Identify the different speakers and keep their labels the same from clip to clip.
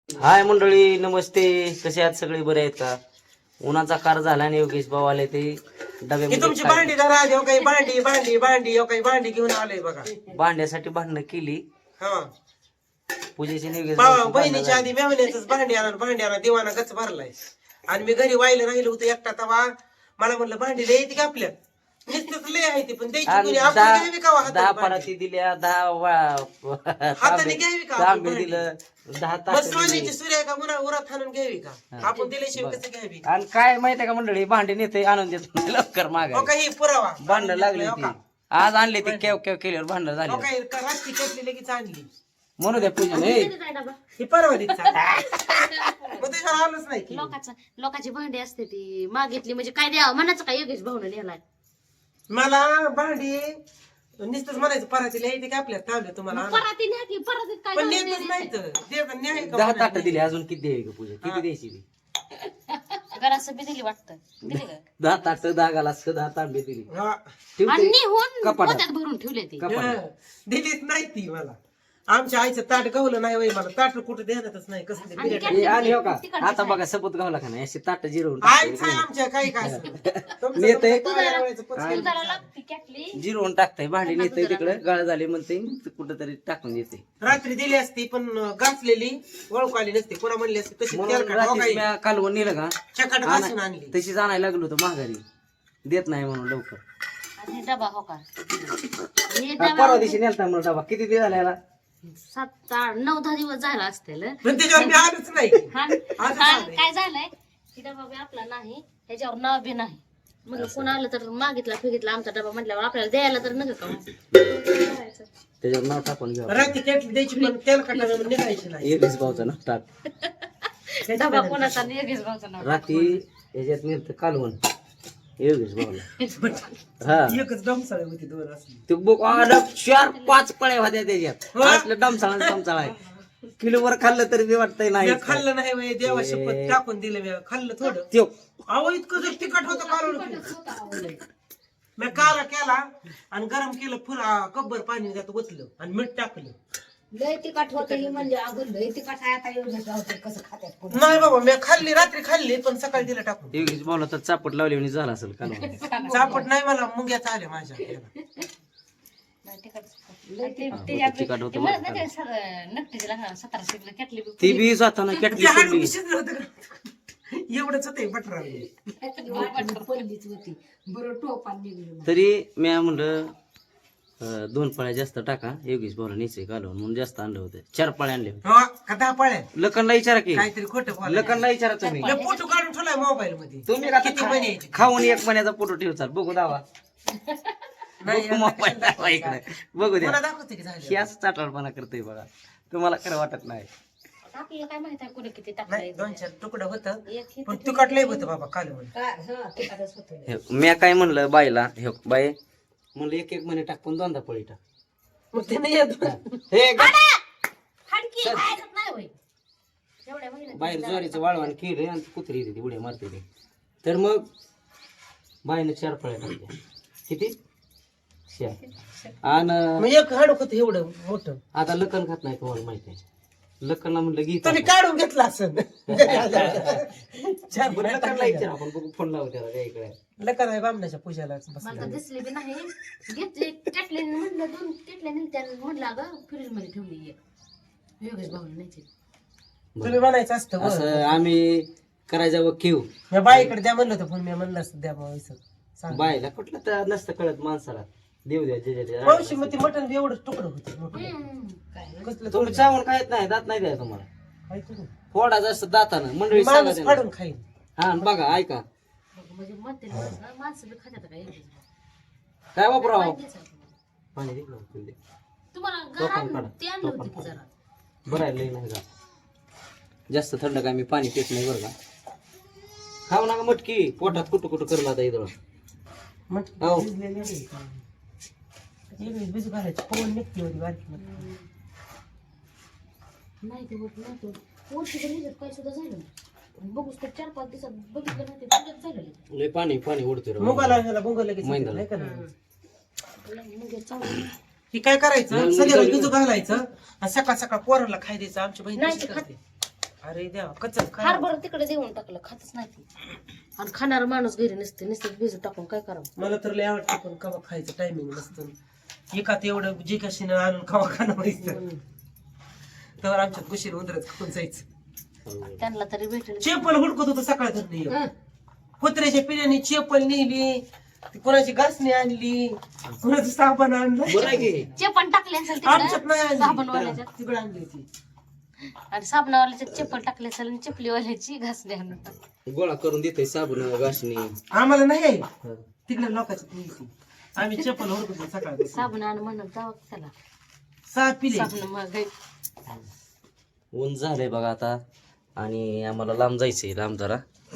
Speaker 1: हाय मंडळी, नमस्ते. कसे आहात सगळे? बरे आहेत का? उन्हाचा कार झाला आणि योगेश भाऊ आले ते डब्यामध्ये
Speaker 2: तुमची भांडी जरा देव काही भांडी भांडी भांडी काही भांडी घेऊन आलोय बघा.
Speaker 1: भांड्यासाठी भांडणं केली.
Speaker 2: हा
Speaker 1: पूजेची योगेश
Speaker 2: बहिणीच्या आधी मेवण्याच भांडी आणा देवाना गच भरलाय. आणि मी घरी वायला राहिलो होतो एकटा तवा. मला म्हणलं भांडी लय येते का आपल्या नुसतंच लय आहे ती, पण द्यायची कोणी आपण घ्यावी का
Speaker 1: 10 पराती दिल्या, 10
Speaker 2: हाताने घ्यावी का
Speaker 1: तांबे दिलं, 10 तास
Speaker 2: सोन्याची सूर्य का उरात हाणून घ्यावी का आपण दिल्याशिवाय कसं घ्यावी?
Speaker 1: आणि काय माहितीये का मंडळी, भांडे नेते आणून देत नाही लवकर मागा.
Speaker 2: काही पुरावा
Speaker 1: भांडणं लागली ती. आज आणले ते केव केव केल्यावर भांडणं झाले.
Speaker 2: काही रात्री केली लगेच आणली
Speaker 1: म्हणू द्या पूजन.
Speaker 2: ही परवा मग त्याच्यावर आलंच नाही की.
Speaker 3: लोकांची भांडी असते ती मागितली म्हणजे काय द्यावं म्हणायचं काय योगेश भाऊन नेलाय.
Speaker 2: मला भांडी नुसतंच म्हणायचं परातीला येते का आपल्या तांब्या तुम्हाला आणा.
Speaker 3: पराती न्या की परातीत काय
Speaker 2: पण
Speaker 3: घालून
Speaker 2: नेतच नाही तर देतात न्याय का
Speaker 1: 10 ताट
Speaker 2: म्हणायचं?
Speaker 1: दिली. अजून किती द्यावी का पूजा? किती द्यायची ती?
Speaker 3: घरात बी दिली वाटतं दिली का
Speaker 1: 10 ताट, 10 गालास, 10 तांबे दिली.
Speaker 2: हा.
Speaker 3: आणि निहून
Speaker 1: कपाटात.
Speaker 3: पोत्यात भरून ठेवले ती
Speaker 1: कपाटात.
Speaker 2: दिलीच नाही ती मला. आमच्या आईचं ताट गवलं नाही वय मला. ताट कुठं देणारच नाही कसं ते बिर्याणी.
Speaker 1: हे आणि हो का आता बघा सबूत गावला का नाही, अशी ताट जिरवून
Speaker 2: आईच आहे आमच्या काही काय
Speaker 1: नेते.
Speaker 3: दुधाला लागती कॅटली
Speaker 1: जिरवून टाकताय, भांडी नेते तिकडे गाळ झाले म्हणते कुठंतरी टाकून देते.
Speaker 2: रात्री दिली असती पण घासलेली ओळख आली नसती. कोणा म्हणली असती तशी
Speaker 1: म्हणून
Speaker 2: तेलकट
Speaker 1: रात्री मी कालवून नेलं का
Speaker 2: चकट घासून आणली.
Speaker 1: तशीच आणायला लागलो होतो माघारी. देत नाही म्हणून लवकर.
Speaker 3: आणि डबा हो का हे
Speaker 1: परवा दिवशी नेलता मला डबा. किती दिवस झाला?
Speaker 3: 7, 8, 9, 10 दिवस झाला असतील.
Speaker 2: पण त्याच्यावर मी आलोच नाही.
Speaker 3: काय झालंय की डबा बी आपला नाही ह्याच्यावर नाव बी नाही. मग कोण आलं तर मागितला फिगितला आमचा डबा म्हटल्यावर आपल्याला द्यायला तर नका का
Speaker 1: त्याच्यावर नाव टाकून घ्या.
Speaker 2: रात्री केटली द्यायची पण तेलकट निघायची नाही.
Speaker 1: योगेश भाऊचं नाव टाक.
Speaker 3: डबा कोणाचा नाही, योगेश भाऊचं नाव.
Speaker 1: रात्री याच्यात नेलतं कालवण योगेश भाऊला. हा
Speaker 2: एकच डमसाळी होती दोन असली.
Speaker 1: ते बुक 4-5 पळ्या होत्या त्याच्यात. असलं डमसाळा आहे. किलोवर खाल्लं तरी बी वाटतंय नाही
Speaker 2: मी खाल्लं नाही वय देवा शपथ टाकून दिलं. मी खाल्लं थोडं.
Speaker 1: त्यो
Speaker 2: अहो इतकं जर तिखट होतं कालवण. मी काला केला आणि गरम केलं फुल कब्बर पाणी त्यात ओतलं आणि मीठ टाकलं.
Speaker 4: लय तिखट होतं ही म्हणजे अगं लय तिखट आहे. आता योगेश भाऊ कसं खात्यात कोण?
Speaker 2: नाही बाबा मी खाल्ली रात्री खाल्ली पण सकाळी दिलं टाकून.
Speaker 1: योगेश भाऊला तर चापट लावली म्हणजे झाला असेल कालवण.
Speaker 2: चापट नाही मला मुंग्याचा आल्या माझ्या याला.
Speaker 1: तिखट होतं बरं का.
Speaker 3: नक्कीच 1700 कॅटली
Speaker 1: ती बी जाताना कॅटली
Speaker 2: ते हाड
Speaker 1: सोडली.
Speaker 2: शिजलं होतं का? एवढंच होतं बटरा.
Speaker 4: पडलीच होती बरं टोपान निघलं.
Speaker 1: तरी मी म्हणलं 2 पळ्या जास्त टाका. योगेश भाऊला न्यायचंय कालवण म्हणून जास्त आणलं होतं. 4 पळ्या आणले होते.
Speaker 2: का 10 पळ्या
Speaker 1: लखनला विचारा की.
Speaker 2: काहीतरी खोटं बोला.
Speaker 1: लखनला विचारा तुम्ही.
Speaker 2: मी फोटो काढून ठेवलाय मोबाईल मध्ये.
Speaker 1: तुम्ही का
Speaker 2: किती महिन्याची?
Speaker 1: खाऊन 1 महिन्याचा फोटो ठेवचाल. बघू दावा.
Speaker 2: नाही,
Speaker 1: बघू मोबाईल दावा इकडे. बघू द्या.
Speaker 2: मला दाखवते की झालं.
Speaker 1: ही असं चाटाळपणा करतोय बघा. तुम्हाला खरं वाटत नाही.
Speaker 3: आपल्याला काय माहित आहे कुठे किती
Speaker 2: नाही
Speaker 3: टाकलं.
Speaker 2: 2-4 तुकडं होतं
Speaker 3: एक
Speaker 2: पण तिखट लय होतं बाबा कालवण.
Speaker 4: हा तिखटच होतं.
Speaker 1: हे, मी काय म्हणलं बाईला, हे बाई म्हणलं 1-1 महिने टाक पण 2दा पळी टाक.
Speaker 2: मग ते नाही येत.
Speaker 1: हे ग-
Speaker 3: हाडकी खायचं नाही होय. एवढ्या महिन्यात
Speaker 1: बाहेर ज्वारीचं वाळवण केलं आणि कुत्री येते ती उड्या मारते ती. तर मग बाईने 4 पळ्या टाकल्या. किती? 4. आणि
Speaker 2: मग एक हाडूक होतं एवढं मोठं.
Speaker 1: आता लखन खात नाही तुम्हाला माहिती आहे. लखनला म्हणलं गीत
Speaker 2: तुम्ही काढून घेतला असं.
Speaker 1: लखनला विचार आपण बघू फोन लावू त्याला काय इकडे.
Speaker 2: लकर आहे बामणाच्या पूजाला
Speaker 3: मला तर
Speaker 2: बसला.
Speaker 3: दिसली बी नाही. घेतली कॅटली म्हटलं 2 कॅटल्या निघत्या म्हटलं अगं फ्रीज मध्ये ठेवली एक. योगेश भाऊने नाही
Speaker 2: तुम्ही म्हणायचं असतं वर.
Speaker 1: असं आम्ही करायचं व क्यू.
Speaker 2: मी बाईकडे द्या म्हणलं होतं पण मी म्हणलं असतं द्या बाबा असं. सांग.
Speaker 1: बायला कुठलं तर नसतं कळत माणसाला. देऊ द्या जे
Speaker 2: मावशी मग ते मटण बी एवढं तुकडं होतं मोठं. कसलं
Speaker 1: तुम्ही चावून खायत नाही, दात नाही द्या तुम्हाला.
Speaker 2: काय करू?
Speaker 1: फोडा जास्त दातानं मंडळी सांगा
Speaker 2: माणूस
Speaker 1: त्यांना.
Speaker 2: फाडून खाईल.
Speaker 1: हा आणि बघा ऐका
Speaker 3: म्हणजे म्हणते माणसं बी खात्यात काय योगेश भाऊ.
Speaker 1: काय वापरावं.
Speaker 3: माहितीच आहे तुम्हाला.
Speaker 1: पाणी दे ना, पिऊ दे.
Speaker 3: तुम्हाला
Speaker 1: टोपण काढा.
Speaker 3: घरात ते आणलं होतं की जरा.
Speaker 1: बरं आहे, लई नाही का जास्त थंड काय मी पाणी पित नाही बरं का. खाऊ नका मटकी, पोटात कुठं कुठं करला आता इथं.
Speaker 2: मटण
Speaker 1: हो.
Speaker 2: भिजलेलं नाही का? एवढी भिजू घालायची पवन निघते एवढी बारकी मटण.
Speaker 3: नाही ते होत नाही ते. वर्षीच्या निघत काय सुद्धा झालं नाही. आणि बघूच तर 4-5 दिवसात बघितलं नाही ते तुझ्यात झालेलं.
Speaker 1: लय पाणी पाणी उडते रे.
Speaker 2: मुगाला ह्याला भुंग लगेच
Speaker 1: मैंदाला.
Speaker 2: नाही का नाही?
Speaker 3: म्हणजे चांगलं.
Speaker 2: ही काय करायचं
Speaker 1: मग
Speaker 2: संध्याकाळी
Speaker 1: मुगाला-
Speaker 2: भिजू घालायचं आणि सकाळ सकाळ पोराला खाय द्यायचं. आमची बहीण
Speaker 3: नाही
Speaker 2: तशी
Speaker 3: ते
Speaker 2: करते. अरे देवा कच्चा काय
Speaker 3: हरभरा तिकडे देऊन टाकलं, खातच नाही ती. आणि खाणारा माणूस घरी नसते, नुसतं भिजू टाकून काय करावं.
Speaker 2: मला तर लय आवडतं पण कवा खायचं टायमिंग नसतं एकात एवढं जे कशीनं आणून कवा खाणं व्हायचं तर आमच्यात गुशीर उंदरच खाऊन जायचं.
Speaker 3: त्यांना तरी भेटेल.
Speaker 2: चेपल हुडकत होतं सकाळ धरणी कुत्र्याच्या पिण्याने चेपल नेली, कोणाची घासणी आणली, कोणाचं साबण आणलं.
Speaker 3: चेपण टाकले असेल
Speaker 2: आमच्यात
Speaker 3: तिकडे
Speaker 2: नाही
Speaker 3: साबणवाल्याच्या.
Speaker 2: आणली तिकडे आणली ती.
Speaker 3: आणि साबणावाल्याच्या चप्पल टाकले असेल आणि चपलीवाल्याची घासली आणून टाकली.
Speaker 1: गोळा करून देते साबण घासणी.
Speaker 2: आम्हाला नाही आहे तिकडे लोकांची न्यायची. आम्ही चप्पल हुडकत होतो सकाळ
Speaker 3: साबण आण म्हणून जावं त्याला.
Speaker 2: सहा पिले
Speaker 3: साबण मग
Speaker 1: ऊन झालंय बघा आता आणि आम्हाला लांब जायचंय. लांब जरा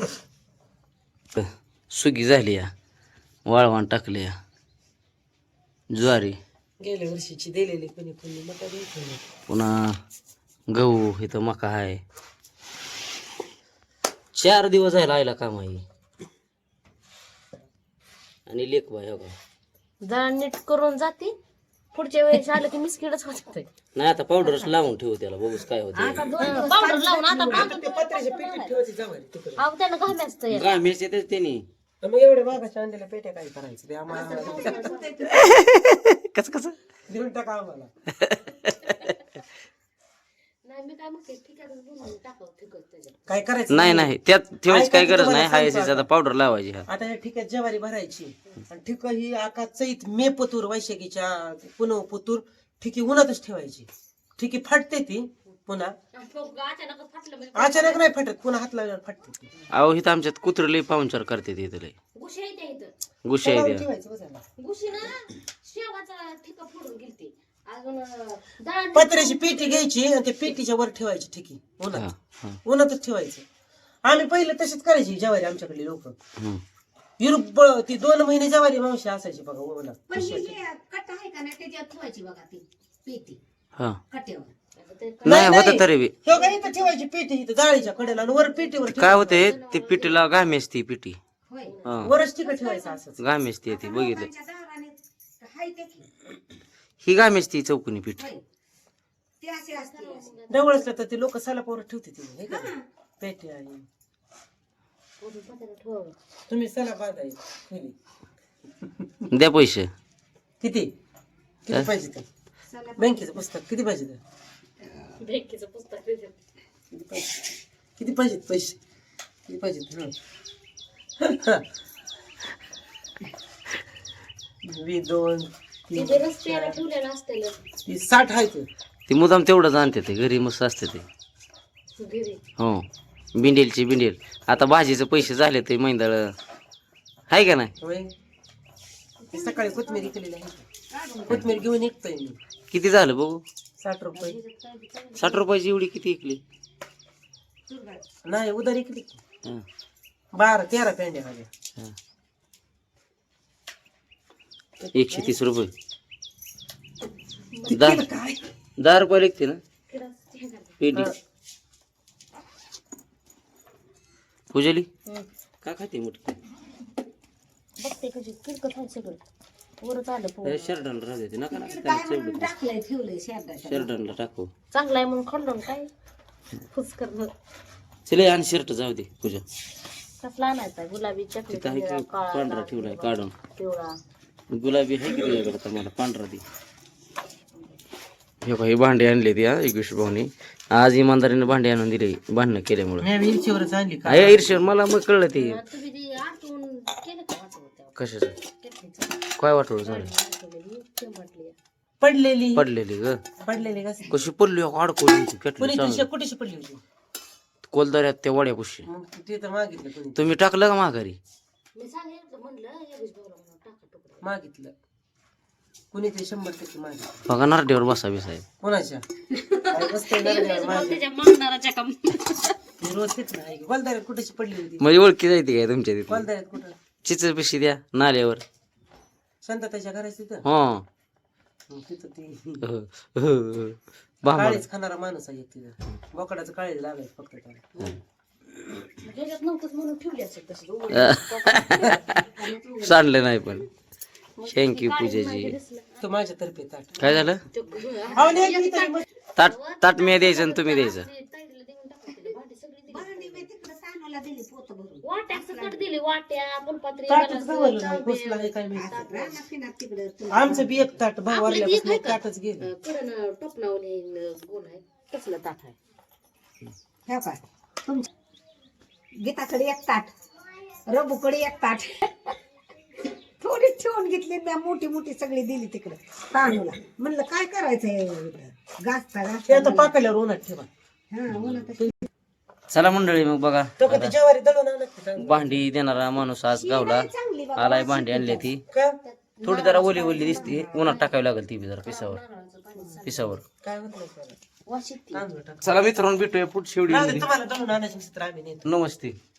Speaker 1: सुगी झाली या, वाळवण टाकले या, ज्वारी,
Speaker 2: गेल्या वर्षीची दिलेली कोणी कोणी मका द्यायचं नाही.
Speaker 1: पुन्हा गहू, इथं मका आहे. 4 दिवस जायला आयला काम आहे. आणि लेख बाय हो का
Speaker 3: जरा नीट करून जाते, पुढच्या वेळेस आलं की मिसकिडच होत.
Speaker 1: नाही आता पावडरच लावून ठेवू त्याला, बघूच काय होतं.
Speaker 3: पावडर लावून आता
Speaker 2: ते पत्र्याच्या पेटीत ठेवायची जवारी तिकडे.
Speaker 3: अहो त्यानं घाम असतं.
Speaker 1: गामेच येतेच त्यांनी.
Speaker 2: मग एवढ्या मागाच्या आणलेल्या पेट्या काय करायचं ते आम्हाला
Speaker 1: कसं कसं
Speaker 2: देऊन टाका आम्हाला.
Speaker 3: नाही मी काय म्हणते, ठीक आहे टाकावं ठिकच त्याच्यात.
Speaker 2: काय करायचं
Speaker 1: नाही नाही त्यात ठेवायची काही गरज नाही. हाय
Speaker 2: सांगतो
Speaker 1: आता पावडर लावायची. हा
Speaker 2: आता या ठिकाणी ज्वारी भरायची आणि ठिक ही आका चैत मे पतूर वैशाखीच्या पुनव पतूर ठिकी उन्हातच ठेवायची. ठिकी फाटते ती पुन्हा
Speaker 3: अचानक फाटलं म्हणजे
Speaker 2: अचानक नाही फाटत, पुन्हा हात लावल्यावर फाटते ती.
Speaker 1: अहो इथं आमच्यात कुत्र लई पाहुणचार करते तिथं लई
Speaker 3: गुशी येते इथं.
Speaker 1: गुशा आहे त्या.
Speaker 2: ठेवायचं बसायला.
Speaker 3: गुशी ना शेवाचा ठिका फोडून गेलती. अजून डाळ
Speaker 2: पत्र्याची पेटी घ्यायची आणि त्या पेटीच्या वर ठेवायची ठिकी
Speaker 1: हा,
Speaker 2: उन्हात.
Speaker 1: हा.
Speaker 2: उन्हातच ठेवायचं. आम्ही पहिले तशीच करायची ज्वारी आमच्याकडे लोक.
Speaker 1: हम्म.
Speaker 2: युरोप ती 2 महिने ज्वारी मावशी असायची बघा उन्हात.
Speaker 4: पण ही जी कट आहे का नाही त्याच्यावर ठेवायची बघा ती पेटी
Speaker 1: हा
Speaker 4: कट्यावर.
Speaker 1: नाही होत तरी बी
Speaker 2: हे बघा इथं ठेवायची पेटी इथं जाळीच्या कडेला आणि वर पेटीवर
Speaker 1: काय होते ते पिठीला घामी असते पिठी.
Speaker 4: होय.
Speaker 1: हा
Speaker 2: वरच ठिका ठेवायचं असंच.
Speaker 1: घामी असते ती बघितलं.
Speaker 4: लोकांच्या दाराने हाय ते की.
Speaker 1: ही घामी असते चौकोनी पिठी.
Speaker 4: होय. ते असे असते.
Speaker 2: जवळ असलं तर ते लोक सलापावर ठेवते ती हे का नाही? पेटी आहे तुम्ही सला बांधाय
Speaker 1: द्या पैसे.
Speaker 2: किती किती पाहिजे ते बँकेचं पुस्तक किती पाहिजे ते
Speaker 3: बँकेचं पुस्तक देते.
Speaker 2: किती पाहिजेत पैसे किती पाहिजेत हं. वी 2 3
Speaker 3: तिथे रस्त्याला ठेवलेलं असतं
Speaker 2: 60 आहे ते
Speaker 1: ती मुदाम तेवढंच आणते ते घरी मस्त असते ते.
Speaker 3: घरी.
Speaker 1: हो बिंडेलची बिंडेल. आता भाजीचे पैसे झाले ते मैंदाळ आहे का नाही.
Speaker 2: होय. ते सकाळी कोथमीर केलेली आहे कोथमीर घेऊन निघतोय मी.
Speaker 1: किती झालं बघू.
Speaker 2: 60 रुपये
Speaker 1: 60 रुपयाची एवढी किती इकली.
Speaker 2: नाही उधार इकली
Speaker 1: हा,
Speaker 2: 12-13 पेंड्या झाल्या.
Speaker 1: हा. 130 रुपये.
Speaker 2: काय
Speaker 1: 10 रुपये लिखते ना पेटी. पूजली का खाते मोठी.
Speaker 3: बघते कशी किरकत आहे सगळं. वरच आलं पोरं.
Speaker 1: शर्टाला राहू देते नका
Speaker 4: काय म्हणून टाकलंय ठेवलंय शेरडाच्या.
Speaker 1: शर्टाला टाकू.
Speaker 3: चांगला आहे म्हणून खाल्लं काय फुस करणं.
Speaker 1: चले आणि शर्ट जाऊ दे पूजा.
Speaker 3: कसला आणायचा गुलाबी
Speaker 1: तिथं आहे
Speaker 3: चॉकलेट
Speaker 1: की पांढरा ठेवलाय काढून.
Speaker 3: पिवळा.
Speaker 1: गुलाबी आहे की तुझ्याकडे तर मला पांढरा दे. हे काही भांडे आणले ती हा 21 भाऊनी. आज इमानदारीने भांडे आणून दिले भांडणं केल्यामुळे.
Speaker 2: मी इरशीवरच आणली का
Speaker 1: आहे ईर्ष्या मला मग कळलं ते
Speaker 3: तुम्ही ते आटून केलं का वाटवं
Speaker 1: कशाचं काय वाटवलं झालं.
Speaker 3: म्हटली
Speaker 2: पडलेली
Speaker 1: पडलेली ग
Speaker 2: पडलेली का
Speaker 1: कशी पडली अडकवली
Speaker 2: कोणी
Speaker 1: पेटली
Speaker 2: कुठेशी पडली होती
Speaker 1: कोलदऱ्यात त्या वड्या पुशी.
Speaker 2: मग ते तर मागितलं कोणी
Speaker 1: तुम्ही टाकलं का माघारी.
Speaker 3: मी सांगितलं म्हणलं योगेश भाऊला म्हणून टाका टुकडा.
Speaker 2: मागितलं कोणी ते 100% मागितलं
Speaker 1: बघा नारड्यावर बसावी साहेब.
Speaker 2: कोणाच्या काय बसतंय नरड्यावर मागे.
Speaker 3: त्याच्या मागणाराच्या काम.
Speaker 2: ती रोज तेच नाही गोलदाऱ्यात कुठेशी पडली होती
Speaker 1: म्हणजे ओळखी जायती काय तुमच्या तिथे.
Speaker 2: गोलदाऱ्यात कुठं
Speaker 1: चिचर पिशी द्या नाल्यावर.
Speaker 2: शांतताच्या घराची तिथं
Speaker 1: हो
Speaker 2: मग तिथं ती
Speaker 1: बाबा
Speaker 2: काळीच खाणारा माणूस आहे एक तिथं बोकडाचं काळीच लागायचं फक्त त्याला
Speaker 3: ह्याच्यात नव्हतंच म्हणून ठेवली असेल तसं
Speaker 1: सांडलं नाही पण. थँक्यू पूजाजी.
Speaker 2: तो माझ्यातर्फे ताट
Speaker 1: काय झालं
Speaker 2: अहो, नाही, मी तरी मग-
Speaker 1: ताट ताट मी द्यायचं आणि तुम्ही द्यायचं.
Speaker 3: ताईला देऊन टाका. भांडी सगळी दिली.
Speaker 4: भांडी मी तिकडे सानूला दिली पोत भरून
Speaker 3: वाट्या सकट दिली, वाट्या फुलपात्री
Speaker 2: ताटच गवलं नाही बसला आहे काय माहिती.
Speaker 4: असं रानात पिनात तिकडे
Speaker 2: आमचं बी एक ताट भाऊ वारल्यापासून एक ताटच गेलं.
Speaker 3: कडन टोपणावून गोल आहे तसलं ताट आहे.
Speaker 4: ह्या काय तुमच्या गीताकडे एक ताट, रबूकडे एक ताट, थोडी ठेवून घेतली मी, मोठी मोठी सगळी दिली तिकडे तांदूला. म्हणलं काय करायचंय घासता
Speaker 2: ते
Speaker 4: घासता
Speaker 2: आता पाकल्यावर उन्हात ठेवा.
Speaker 4: हा उन्हात
Speaker 1: चला मंडळी मग बघा
Speaker 2: तो कधी ज्वारी दळून आणत नाही चांगलं.
Speaker 1: भांडी देणारा माणूस आज गावला
Speaker 4: चांगली बाबा
Speaker 1: आलाय. भांडी आणली ती
Speaker 2: का
Speaker 1: थोडी जरा ओली ओली दिसते, उन्हात टाकावी लागेल ती बी जरा पिसावर.
Speaker 2: काय होत नाही त्याला.
Speaker 3: वाशीत ती.
Speaker 2: तांदूळ टाक.
Speaker 1: चला मित्रांनो भेटूया पुढच्या
Speaker 2: राहू दे,
Speaker 1: व्हिडिओ.
Speaker 2: तुम्हाला दळून आणायचं नसेल तर आम्ही नेतो.
Speaker 1: नमस्ते.